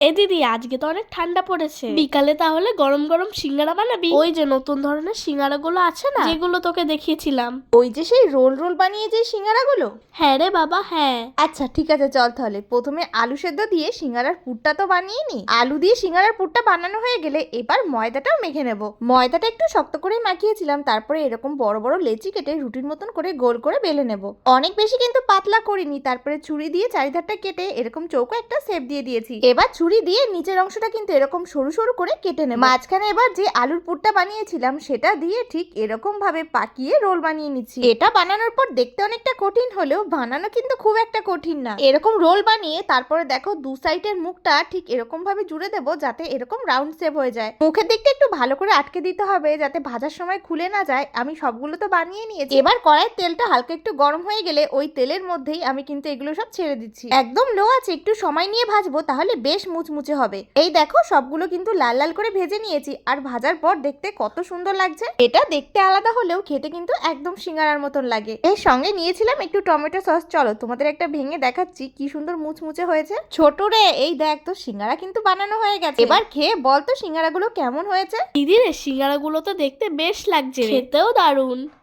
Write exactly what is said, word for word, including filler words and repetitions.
এ দিদি, আজকে তো অনেক ঠান্ডা পড়েছে, বিকালে তাহলে গরম গরম সিঙ্গারা বানাবি? ওই যে নতুন ধরনের সিঙ্গারা গুলো আছে না, যেগুলো তোকে দেখিয়েছিলাম। ওই যে সেই রোল রোল বানিয়ে যে সিঙ্গারাগুলো? হ্যাঁ রে বাবা, হ্যাঁ। আচ্ছা ঠিক আছে, চল তাহলে প্রথমে আলু সেদ্ধ দিয়ে সিঙ্গারার পুরটা তো বানিয়ে নি। আলু দিয়ে সিঙ্গারার পুরটা বানানো হয়ে গেলে এবার ময়দাটাও মেখে নেব। ময়দাটা একটু শক্ত করে মাখিয়েছিলাম, তারপরে এরকম বড় বড় লেচি কেটে রুটির মতন করে গোল করে বেলে নেব। অনেক বেশি কিন্তু পাতলা করিনি, তারপরে ছুরি দিয়ে চারিধারটা কেটে এরকম চৌকো একটা শেপ দিয়ে দিয়েছি। এবার ছুরি দিয়ে নিচের অংশটা কিন্তু এরকম সরু সরু করে কেটে নেব। মাঝখানে এবার যে আলুর পুরটা বানিয়েছিলাম সেটা দিয়ে ঠিক এরকম ভাবে পাকিয়ে রোল বানিয়ে নিচ্ছি। এটা বানানোর পর দেখতে অনেকটা কঠিন হলেও বানানো কিন্তু খুব একটা কঠিন না। এরকম রোল বানিয়ে তারপরে দেখো দু সাইডের মুখটা ঠিক এরকম ভাবে জুড়ে দেবো যাতে এরকম রাউন্ড শেপ হয়ে যায়। মুখের দিকটা একটু ভালো করে আটকে দিতে হবে যাতে ভাজার সময় খুলে না যায়। আমি সবগুলো তো বানিয়ে নিয়েছি। এবার কড়াইয়ের তেলটা হালকা একটু গরম হয়ে গেলে ওই তেলের মধ্যেই আমি কিন্তু এগুলো সব ছেড়ে দিচ্ছি। একদম লো আছে, একটু সময় নিয়ে ভাজবো, তাহলে বেশ মুচমুচে হবে। এই দেখো সবগুলো কিন্তু লাল লাল করে ভেজে নিয়েছি, আর ভাজার পর দেখতে কত সুন্দর লাগছে। এটা দেখতে আলাদা হলেও খেতে কিন্তু একদম সিঙ্গারার মতন লাগে। এর সঙ্গে নিয়েছিলাম একটু টমেটো সস। চলো তোমাদের একটা ভেঙে দেখাচ্ছি কি সুন্দর মুচমুচে হয়েছে। ছোট রে, এই দেখ তো সিঙ্গারা কিন্তু বানানো হয়ে গেছে। এবার খেয়ে বল তো সিঙ্গারাগুলো কেমন হয়েছে। দিদি রে, সিঙ্গারা গুলো তো দেখতে বেশ লাগছে, খেতেও দারুণ।